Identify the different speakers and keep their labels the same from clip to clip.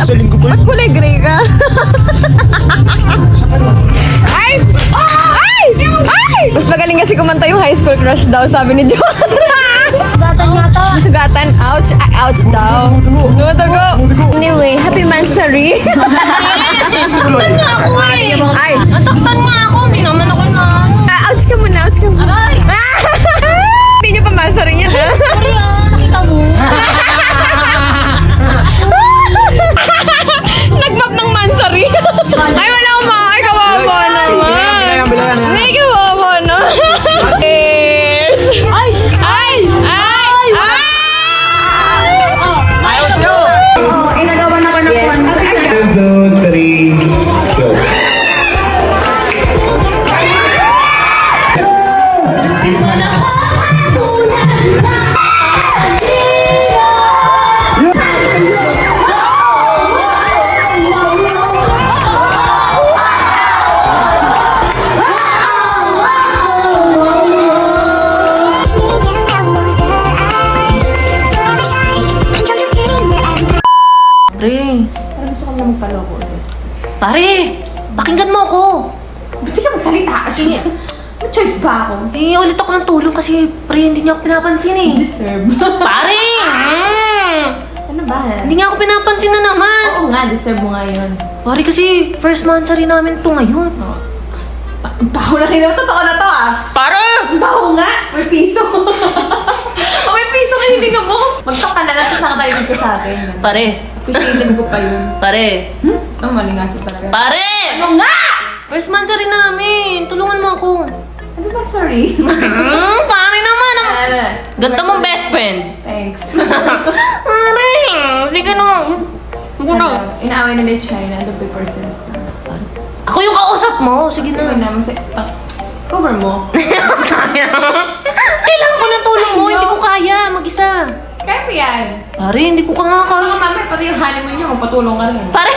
Speaker 1: Isa linggo pa
Speaker 2: Ba't kulay gray ka? Ay! Ay! Ay! Mas magaling kasi kumanta yung high school crush daw, sabi ni John.
Speaker 3: Sugatan yata.
Speaker 2: Sugatan, ouch, ouch daw. Dumudugo. Anyway, happy Mansari.
Speaker 3: Nasaktan nga ako eh.
Speaker 2: Ay!
Speaker 3: Nasaktan nga ako. Hindi naman ako na.
Speaker 2: Ouch ka muna, ouch ka muna.
Speaker 3: Aray!
Speaker 2: Hindi niyo pa Mansari yan, ha?
Speaker 3: Sorry nakita mo.
Speaker 2: Nagmap ng Mansari. Ay, wala akong makakay. Kawawa naman.
Speaker 1: Bilayan.
Speaker 2: Hindi, kawawa na. Cheers! Ay! Ay! Ay! Ay!
Speaker 1: Ayaw sa'yo!
Speaker 2: Inagawa na ko ng one.
Speaker 1: 1, 2, 3, go.
Speaker 3: Pare.
Speaker 2: Parang gusto ko na magpaloko ulit.
Speaker 3: Pare! Pakinggan mo ako.
Speaker 2: Ba't di ka magsalita? May choice ba ako?
Speaker 3: Eh, ulit ako ng tulong kasi pre, hindi niya ako pinapansin eh.
Speaker 2: Deserve.
Speaker 3: Pare!
Speaker 2: Ano ba?
Speaker 3: Hindi niya ako pinapansin na naman.
Speaker 2: Oo nga, deserve mo nga yun.
Speaker 3: Pare kasi first mansari namin to ngayon.
Speaker 2: Ang baho na rin. Totoo na to ah.
Speaker 3: Pare!
Speaker 2: Ang baho nga. May piso. May piso ka hininga mo. Mag-talk ka na lang tapos nakatalinig ko sa akin.
Speaker 3: Pare!
Speaker 2: Appreciated ko pa yun.
Speaker 3: Pare!
Speaker 2: Ang malingasin talaga.
Speaker 3: Pare!
Speaker 2: Ano nga?
Speaker 3: First mansari namin. Tulungan mo ako.
Speaker 2: Ano ba? Sorry.
Speaker 3: Pare naman!
Speaker 2: Ano?
Speaker 3: Ganda mong best friend.
Speaker 2: Thanks.
Speaker 3: Pare! Sige na. Sige na.
Speaker 2: Ano? Inaaway nila yung China. Ano ba yung percent ko?
Speaker 3: Ako yung kausap mo. Sige
Speaker 2: Ano
Speaker 3: na.
Speaker 2: na? Cover mo.
Speaker 3: Kailangan ko ng tulong mo. Hindi ko kaya. Mag-isa.
Speaker 2: Kaya mo yan.
Speaker 3: Pare, hindi ko nga
Speaker 2: Baka mamaya pati yung honeymoon niyo, magpatulong ka rin.
Speaker 3: Pare!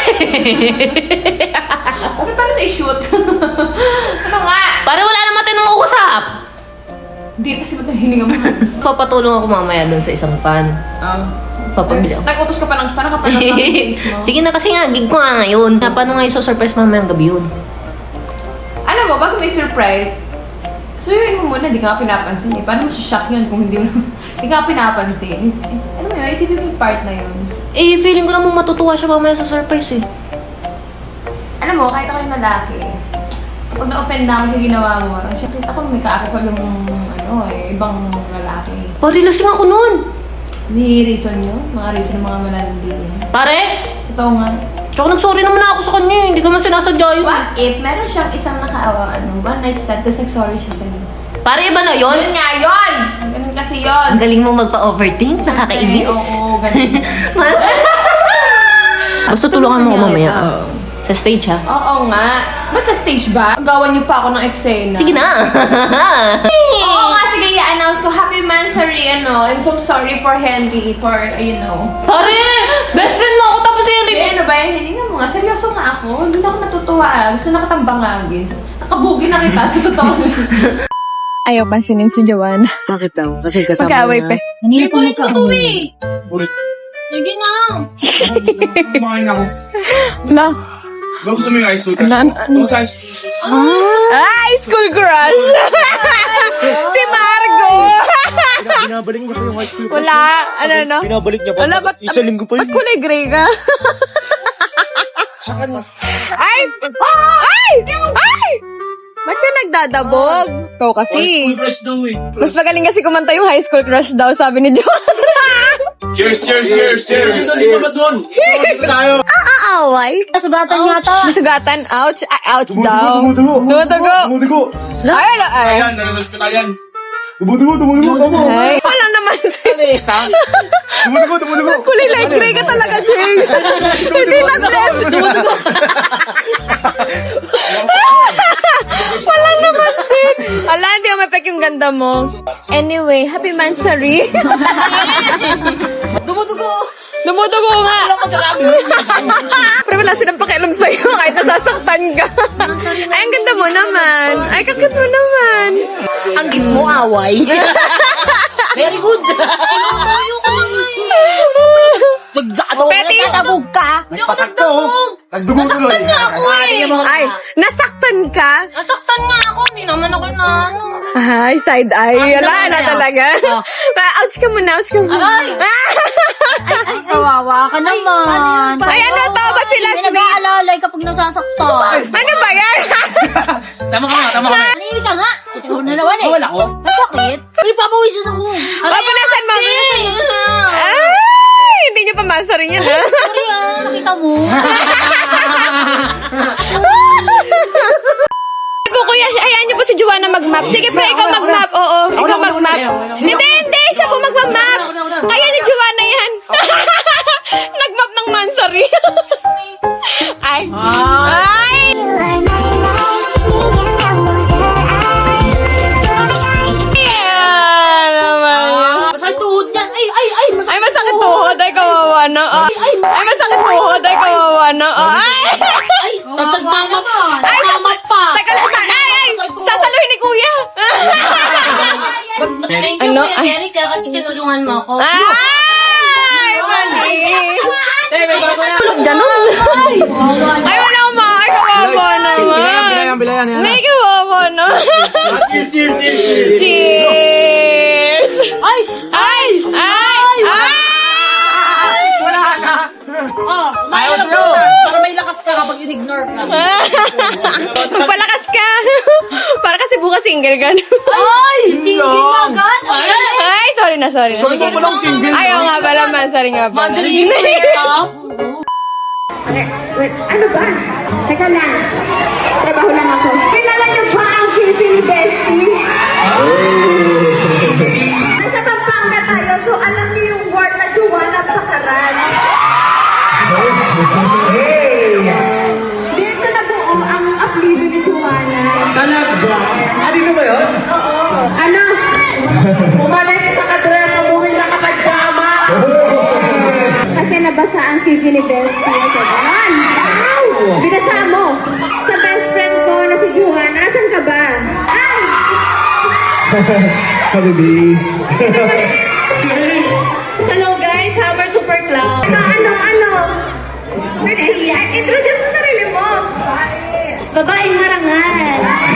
Speaker 2: Pero paano ito i-shoot? Ano nga?
Speaker 3: Pare, wala naman tayong usap.
Speaker 2: Hindi kasi ba't hininga mo?
Speaker 3: Papatulong ako mamaya dun sa isang fan. Papabili ako.
Speaker 2: Nag-utos ka pa ng fan, nakapanood ng face mo.
Speaker 3: Sige na kasi nga, gig ko nga ngayon. Paano nga i-surprise mamayang gabi yun?
Speaker 2: Alam mo, bago may surprise, suyuin mo muna, di ka nga pinapansin eh. Paano mo shock yun kung hindi mo, di ka nga pinapansin? Ano mo yun, isipin mo yung part na yun.
Speaker 3: Eh, feeling ko namang matutuwa siya mamaya sa surprise eh.
Speaker 2: Alam mo, kahit ako yung lalaki, kapag na-offend na ako sa ginawa mo, parang siya, kita ko may kaako pa yung ibang lalaki.
Speaker 3: Pare, lasing ako nun.
Speaker 2: Hindi reason yun, mga reason ng mga manalandi.
Speaker 3: Pare!
Speaker 2: Totoo nga.
Speaker 3: Tsaka nag-sorry naman ako sa kanya eh. Hindi ko man sinasadya yun.
Speaker 2: What if meron siyang isang one night stand, tapos nag-sorry siya sa'yo?
Speaker 3: Pare, iba na yun.
Speaker 2: Yun nga yun! Ganun kasi yun.
Speaker 3: Ang galing mo magpa-overthink. Nakakainis.
Speaker 2: Oo, ganun.
Speaker 3: Basta tulungan mo ko mamaya. Sa stage ha.
Speaker 2: Oo nga. Ba't sa stage ba? Gawan niyo pa ako ng eksena.
Speaker 3: Sige na.
Speaker 2: Oo nga, sige, i-announce ko. Happy Mansari, I'm so sorry for Henry, for,
Speaker 3: Pare! Best friend mo ako tapos si Henry.
Speaker 2: Ano ba yan? Hininga mo nga. Seryoso nga ako. Hindi na ako natutuwa. Gusto na katambangagin. Kakabugi na kita sa totoo. Ayaw pansinin si Joanna.
Speaker 1: Bakit daw? Kasi kasama
Speaker 2: Magkaaway pa.
Speaker 3: Hindi ko nito eh.
Speaker 1: Bulit.
Speaker 3: Sige na.
Speaker 1: Kumakain ako.
Speaker 2: Na.
Speaker 1: Ba gusto mo yung high school crush
Speaker 2: Ano?
Speaker 1: mo? Sa high school.
Speaker 2: High school crush! Si Margo!
Speaker 1: Binabalik niya pa yung high school crush.
Speaker 2: Wala. Ano?
Speaker 1: Binabalik niya pa.
Speaker 2: Wala, ba't
Speaker 1: Isa linggo pa
Speaker 2: ba't
Speaker 1: yun.
Speaker 2: kulay gray ka? Ay! Ay! Ay! Ba't ka nagdadabog? Ikaw
Speaker 1: High
Speaker 2: kasi.
Speaker 1: school crush daw eh.
Speaker 2: Mas magaling kasi kumanta yung high school crush daw, sabi ni John.
Speaker 1: Cheers! Dito ba doon? Dito tayo.
Speaker 2: Aaway?
Speaker 3: Sugatan yata.
Speaker 2: Masugatan, ouch, ouch daw.
Speaker 1: Dumudugo.
Speaker 2: Dumudugo. Ay, ay.
Speaker 1: Ayan, nasa hospital yan. Dumudugo. Tama.
Speaker 2: Ay, wala naman si...
Speaker 1: Isa. Dumudugo.
Speaker 2: Kulay light gray ka talaga, Jay. Hindi mag-blend. Walang namansin. Ala, hindi ako mapek yung ganda mo. Anyway, happy Mansari. Dumudugo nga. Pero wala silang pakialam sa'yo kahit nasasaktan ka. Ay, ang ganda mo naman. Ay, kakit mo naman. Ang gift mo, away.
Speaker 3: Very good.
Speaker 2: Peti
Speaker 4: Nagkatabog ka.
Speaker 1: Nagpasakto, oh. Nagdugo tuloy.
Speaker 4: Nasaktan nga ako eh.
Speaker 2: Ay, nasaktan ka?
Speaker 4: Nasaktan nga ako. Hindi naman ako na ano.
Speaker 2: Ay, side eye. Wala
Speaker 4: naman
Speaker 2: na
Speaker 4: na.
Speaker 2: talaga. Ouch ka muna, ouch ka muna.
Speaker 4: Aray! Kawawa ka naman.
Speaker 2: Ay, ano to? Ba't sila
Speaker 4: May
Speaker 2: sweet?
Speaker 4: nag-aalalay kapag nasasaktan.
Speaker 2: Ano ba yan?
Speaker 1: Tama ka nga.
Speaker 4: Nanimik ka nga. Ikaw na naman eh.
Speaker 1: Wala ko.
Speaker 4: Nasakit? May papawisan ako.
Speaker 2: Papunasan mo. Ay, hindi niyo pa masarin yan, ha?
Speaker 4: Sorry ah, nakita mo.
Speaker 2: Kuya, hayaan niyo po si Joanna mag-map. Sige, pre, ikaw mag-map. Oo, ikaw mag-map. Hindi, siya po mag-map. Kaya ni Joanna yan. Nag-map ng Mansari. Ay. Ay. Yeah, naman yun.
Speaker 4: Masakit tuhod niyan. Ay,
Speaker 2: Ay, masakit tuhod. Ay, kawawa na. Ay, masakit tuhod. Ay, kawawa na. Ay.
Speaker 4: ay. Tapos nagmamap.
Speaker 2: Ay,
Speaker 4: Nagmamap pa.
Speaker 2: Teka lang, ay, sasaluhin ni Kuya.
Speaker 4: Thank you,
Speaker 2: Ano?
Speaker 4: Kuya Jerica, kasi tinulungan mo ako.
Speaker 2: Ay, mali. Tulog ganun. Ay, wala akong ay, kawawa naman.
Speaker 1: Bilayan.
Speaker 2: May kawawa na.
Speaker 1: Cheers.
Speaker 2: Cheers!
Speaker 4: Ay!
Speaker 2: Ay! Ay! Ay!
Speaker 1: Wala na.
Speaker 4: Ayaw sa'yo. Para may lakas ka kapag in-ignore ka.
Speaker 2: Magpalakas ka. Para kasi bukas single ka.
Speaker 4: Ay! Single agad?
Speaker 2: Ay, sorry na.
Speaker 1: Sorry po palang single.
Speaker 2: Ayaw nga pala, Mansari nga pala.
Speaker 4: Mandarin ka?
Speaker 2: Wait, ano ba? Teka lang. Trabaho lang ako. Kilala niyo ba ang Philippine Bestie? Nasa Pampanga tayo, so alam niyo yung word na Joanna Pakaran. Dito na buo ang apelido ni Joanna.
Speaker 1: Talaga? Dito ba yun?
Speaker 2: Oo. Ano?
Speaker 1: Umalis na ka-dress, umuwi na ka-pajama.
Speaker 2: Kasi nabasa ang TV ni Bestie. Ganon. Binasa mo. Sa best friend ko na si Joanna. Nasaan ka ba? Ay!
Speaker 1: Habibi.
Speaker 2: Hello guys, Hammer Super Cloud. Ano? Pwede, introduce mo sarili mo. Babaeng marangal.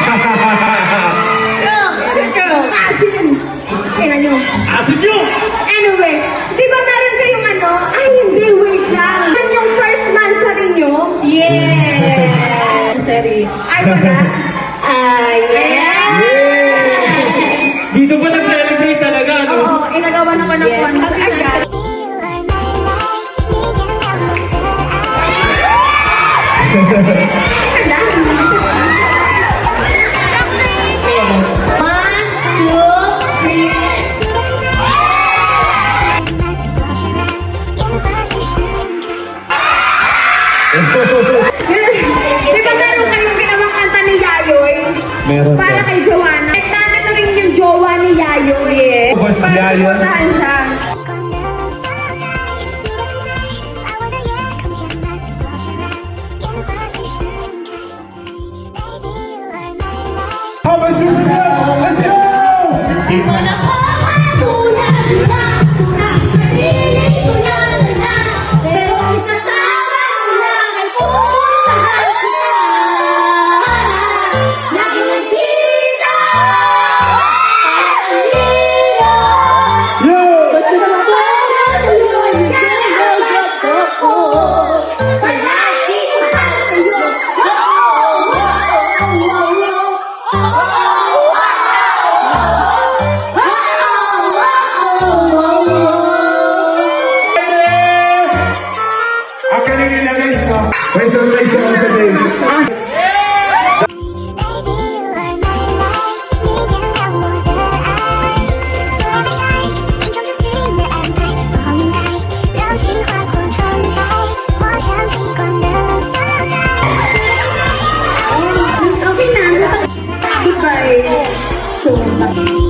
Speaker 2: Asin. Kailan nyo?
Speaker 1: Asin nyo!
Speaker 2: Anyway, di ba meron kayong ano? Ay, hindi, wait lang. Yan yung first Mansari nyo? Yeah! Sorry. Ay, wala? Ay, yeah!
Speaker 1: Dito ba nag-celebrate talaga, no?
Speaker 2: Oo, inagawa naman ng concert. Ay, God. Di ba meron kayong ginawang kanta ni Yayoy?
Speaker 1: Meron
Speaker 2: Para kay Joanna. At nandito rin yung jowa ni Yayoy eh.
Speaker 1: Boss
Speaker 2: Para
Speaker 1: Yayoy.
Speaker 2: supportahan siya.
Speaker 1: Let's go! May surprise ako sa day.
Speaker 2: Okay na. Goodbye. So,